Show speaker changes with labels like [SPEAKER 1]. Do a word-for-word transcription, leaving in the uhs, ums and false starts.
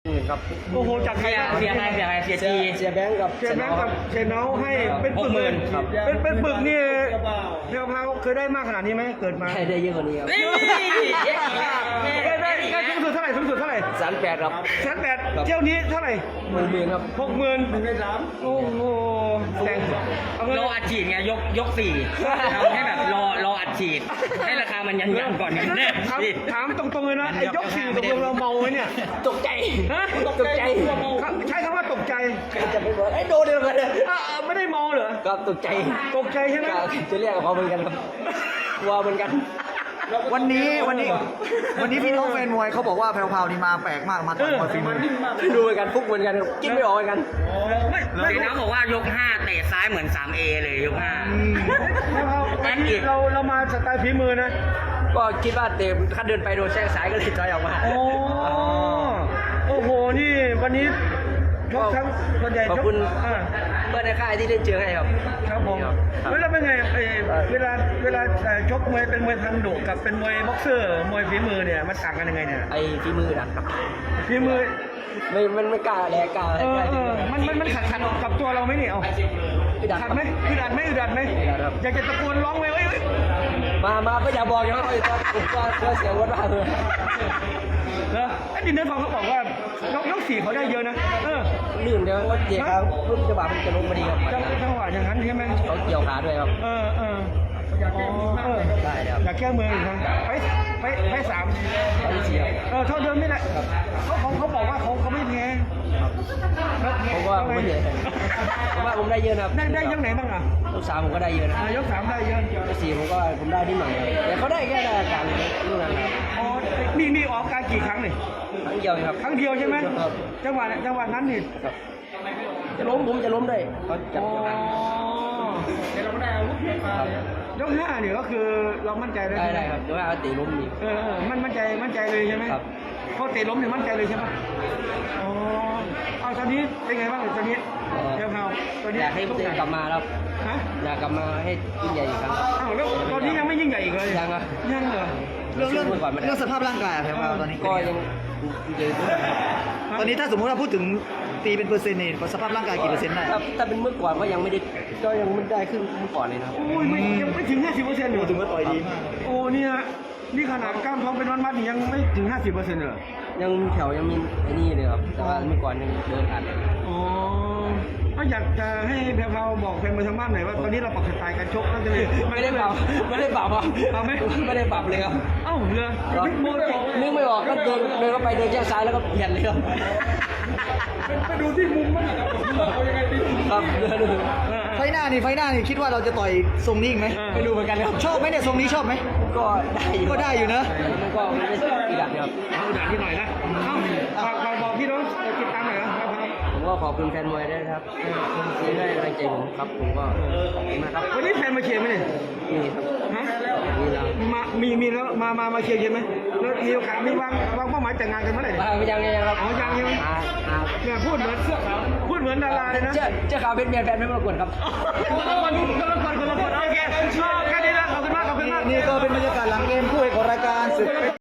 [SPEAKER 1] ครับ
[SPEAKER 2] โอ้โหจากใคร
[SPEAKER 3] เสียเสียใครเสียใครเสียจี
[SPEAKER 1] เสียแบงค์กับ
[SPEAKER 2] เชนแบงค์กับเชนเนาให้เป็นปึก
[SPEAKER 3] หกหมื่น
[SPEAKER 1] ครับ
[SPEAKER 2] เป็นเป็นปึกนี่เพียวพาวเคยได้มากขนาดนี้ไหมเกิดมา
[SPEAKER 1] ให้ได้เยอะกว่านี้ครับ
[SPEAKER 3] นี่
[SPEAKER 2] ได้ได้ได้สูงสุดเท่าไหร่สูงสุดเท่าไหร่
[SPEAKER 1] แสนแปดครับ
[SPEAKER 2] แสนแปดเที่ยวนี้เท่าไหร่
[SPEAKER 1] หมื่นหมื่นครับ
[SPEAKER 2] หกหมื่นหนึ่งในสามโอ้โหแต่งเอาเงิน
[SPEAKER 3] รออัดฉีดไงยกยกสี่ทำให้แบบรอรออัดฉีดให้ราคามันยันยันก่อนกันแน่
[SPEAKER 2] ถามถามตรงๆเลยนะไอ้ยกสี่ตกลงเราเมาไหมเนี่ย
[SPEAKER 1] ตกใจ
[SPEAKER 2] ฮะ
[SPEAKER 1] ตกใจ
[SPEAKER 2] ใช้คำว่าตกใจ
[SPEAKER 1] จะไปบอกไอ้โดนเดียวกันเลย
[SPEAKER 2] อ่ะอ่ะไม่ได้เมาเหรอ
[SPEAKER 1] ครับตกใจ
[SPEAKER 2] ตกใจใช่ไหม
[SPEAKER 1] จะเรียกกับเขาเหมือนกันครับกลัวเหมือนกัน
[SPEAKER 4] วันนี้วันนี้วันนี้พี่น้องแฟนมวยเขาบอกว่าแพรวๆนี่มาแปลกมากมาต่อยมวยฝีมือ
[SPEAKER 1] ไม่รู้เหมือนกันฟุกเหมือนกันกินไม่ออกเหมือนกัน
[SPEAKER 2] ไม่ไม่
[SPEAKER 3] เสียน้ำบอกว่ายกห้าเตะซ้ายเหมือน สามเอ เลยยกห้า
[SPEAKER 2] ไม่เอาวันนี้เราเรามาสไตล์ฝีมือนะ
[SPEAKER 1] ก็คิดว่าเตะขั้นเดินไปโดนแช่งซ้ายก็เลยถอยออกมา
[SPEAKER 2] โอ้โอ้โหนี่วันนี้ชกทั้งส่วนใหญ่
[SPEAKER 1] ขอบ
[SPEAKER 2] ชก
[SPEAKER 1] คุณ
[SPEAKER 2] อ่า
[SPEAKER 1] เพื่อนในค่ายที่เล่นเจอให้ครับ
[SPEAKER 2] ครับผม
[SPEAKER 1] ครับ
[SPEAKER 2] แล้วเป็นไงเอ่อเวลาเวลาเอ่อชกมวยเป็นมวยทางดุกับเป็นมวยบ็อกเซอร์มวยฝีมือเนี่ยมันต่างกันยังไงเนี่ย
[SPEAKER 1] ไอ้ฝีมือดันครับ
[SPEAKER 2] ฝีมือ
[SPEAKER 1] ไม่มันไม่กล้าแลกล้า
[SPEAKER 2] เออเออมันมันมันขัดขัดกับตัวเราไหมเนี่ยเอา
[SPEAKER 1] ไม่ดันค
[SPEAKER 2] ขั
[SPEAKER 1] รั
[SPEAKER 2] ด
[SPEAKER 1] บ
[SPEAKER 2] ไหมอึดอัดไหมอึดอัดไหม
[SPEAKER 1] อึดอัดครับ
[SPEAKER 2] อยากจะตะโกนร้องไหมเอ้ยเอ้ย
[SPEAKER 1] มามาก็อย่าบอกอย่างนั้นเลยครับผมก็เชื่อเสียงวัดมากเลย
[SPEAKER 2] เหรอไอ้ดินเนอร์ฟองเขาบอกว่ายกยกสี่เขาได้เยอะนะเออ
[SPEAKER 1] ลื่นเดี๋ยวว่าเจ๊ครับรุ่นจังหวะมันจะลงมาดีครับ
[SPEAKER 2] จังจังหวะอย่างนั้นใช่ไหม
[SPEAKER 1] เขาเกี่ยวขาด้วยครับ
[SPEAKER 2] เออเอออ๋อเออ
[SPEAKER 1] ได้ครับ
[SPEAKER 2] อยากแก้มืออีกครั้งไปไปไปสาม
[SPEAKER 1] เขาเชียร์
[SPEAKER 2] เออเท่าเดิมนี่แหละเขาเขาเขาบอกว่าเขาเขาไม่แพ้
[SPEAKER 1] ผมว่าผมไม่เยอะผมว่าผมได้เยอะนะครับ
[SPEAKER 2] ได้ได้ยังไหนบ้างอ่ะ
[SPEAKER 1] ลูกสามผมก็ได้เยอะนะ
[SPEAKER 2] อ่ายกสามได้เยอะ
[SPEAKER 1] ลูกสี่ผมก็ผมได้นิดหน่อยครับแต่เขาได้แค่ได้อาการลูกนั้นครับ
[SPEAKER 2] อ๋อมีมีออกการกี่ครั้งนี่
[SPEAKER 1] ครั้งเดียวครับ
[SPEAKER 2] ครั้งเดียวใช่ไหม
[SPEAKER 1] ครับ
[SPEAKER 2] จังหวะจังหวะนั้นนี่
[SPEAKER 1] ครับจะล้มผมจะล้มได้เขาจับ
[SPEAKER 2] อ๋อ
[SPEAKER 1] เกี่ยวกันครับ
[SPEAKER 2] ยกห้าเนี่ยก็คือเรามั่นใจเลย
[SPEAKER 1] ได้ได้ครับเดี๋ยวว่าตีล้มอีก
[SPEAKER 2] เออเออมันมั่นใจมั่นใจเลยใช่ไหม
[SPEAKER 1] ครับ
[SPEAKER 2] พอเตะล้มเนี่ยมั่นใจเลยใช่ไหมอ๋อเอาตอนนี้เป็นไงบ้างตอนนี้เดี๋ยวเขาตอนนี้
[SPEAKER 1] อยากให้ตัวเองกลับมาครับ
[SPEAKER 2] ฮะ
[SPEAKER 1] อยากกลับมาให้ยิ่งใหญ่อีกครั้งครับ
[SPEAKER 2] อ้าวแล้วตอนนี้ยังไม่ยิ่งใหญ่อีกเลย
[SPEAKER 1] ยังอ่ะ
[SPEAKER 2] ยังเหรอ
[SPEAKER 4] เรื่องเรื่อง
[SPEAKER 1] สู้ก่อนไม่ได้
[SPEAKER 4] เรื่องสภาพร่างกายอะแพรวๆตอนนี้
[SPEAKER 1] ก็ยังเยอะด้วยครับ
[SPEAKER 4] ตอนนี้ถ้าสมมติว่าพูดถึงตีเป็นเปอร์เซ็นต์นี่สภาพร่างกายกี่เปอร์เซ็นต์ได้
[SPEAKER 1] ถ้าถ้าเป็นเมื่อก่อนก็ยังไม่ได้ก็ยังไม่ได้ขึ้นเมื่อก่อนเลยนะครับ
[SPEAKER 2] โอ้ยไม่ยังไม่ถึงห้าสิบเปอร์เซ็นต์อยู่
[SPEAKER 4] ถึงว่าต่อยดีมาก
[SPEAKER 2] โอ้เนี่ยนี่ขนาดกล้ามท้องเป็นวันๆนี่ยังไม่ถึงห้าสิบเปอร์เซ็นต์เลย
[SPEAKER 1] ยังมีแถวยังมีไอ้นี่เลยครับแต่ว่าเมื่อก่อนยังเดินอัดเลย
[SPEAKER 2] อ๋อก็อยากจะให้แพรวๆบอกแฟนมวยทางบ้านหน่อยว่าตอนนี้เราปรับสไตล์การชกนั่นจะเลย
[SPEAKER 1] ไม่ได้ปรับไม่ได้ปรับครับ
[SPEAKER 2] ปรับไหม
[SPEAKER 1] ไม่ได้ปรับเลยครับ
[SPEAKER 2] เอ้าเรือบิ๊กโมเลย
[SPEAKER 1] นึกไม่ออกก็เดินเดินเข้าไปเดินแช่ซ้ายแล้วก็เปลี่ยนเลยครับ
[SPEAKER 2] ไปดูที่มุมมันนะครับเอายังไงดี
[SPEAKER 1] ครับเดินดู
[SPEAKER 4] ไฟหน้านี่ไฟหน้านี่คิดว่าเราจะต่อยทรงนี้อีกไหม
[SPEAKER 1] ไม่รู้เหมือนกันครับ
[SPEAKER 4] ชอบไหมเนี่ยทรงนี้ชอบไหม
[SPEAKER 1] ก็ได้อยู่
[SPEAKER 4] ก็ได้อยู่นะ
[SPEAKER 1] มันก็ไม่ได้อีกอย่างเดียวครับ
[SPEAKER 2] เอาด่านที่หน่อยนะเอ้าฝากฝากบอกพี่น้องติดตามหน่อยนะครับ
[SPEAKER 1] ผมก็ขอบคุณแฟนมวยด้วยนะครับที่ให้กำลังใจผมครับผมก็ขอบคุณนะครับ
[SPEAKER 2] วันนี้แฟนมาเชียร์ไหมเนี่ย
[SPEAKER 1] นี่ครับ
[SPEAKER 2] ฮะ
[SPEAKER 1] นี่เรา
[SPEAKER 2] มามีมีแล้วมามามาเชียร์เยอะไหมแล้วมีโอกาสมีวางวางเป้าหมายแต่งงานกันเมื่อไหร่
[SPEAKER 1] มาไม่ยังยังครับ
[SPEAKER 2] อ๋อยังยัง
[SPEAKER 1] อ่าอ่า
[SPEAKER 2] เนี่ยพูดเหมือนเสื้อขาวพูดเหมือนดาราเลยนะ
[SPEAKER 1] เจ้าเจ้าขาวเป็นเมียแฟนไม่มากวนครับ
[SPEAKER 2] คนละคนคนละคนคนละคนโอเคแค่นี้นะขอบคุณมากขอบคุณมาก
[SPEAKER 4] นี่ก็เป็นบรรยากาศหลังเกมคู่เอกของรายการศึก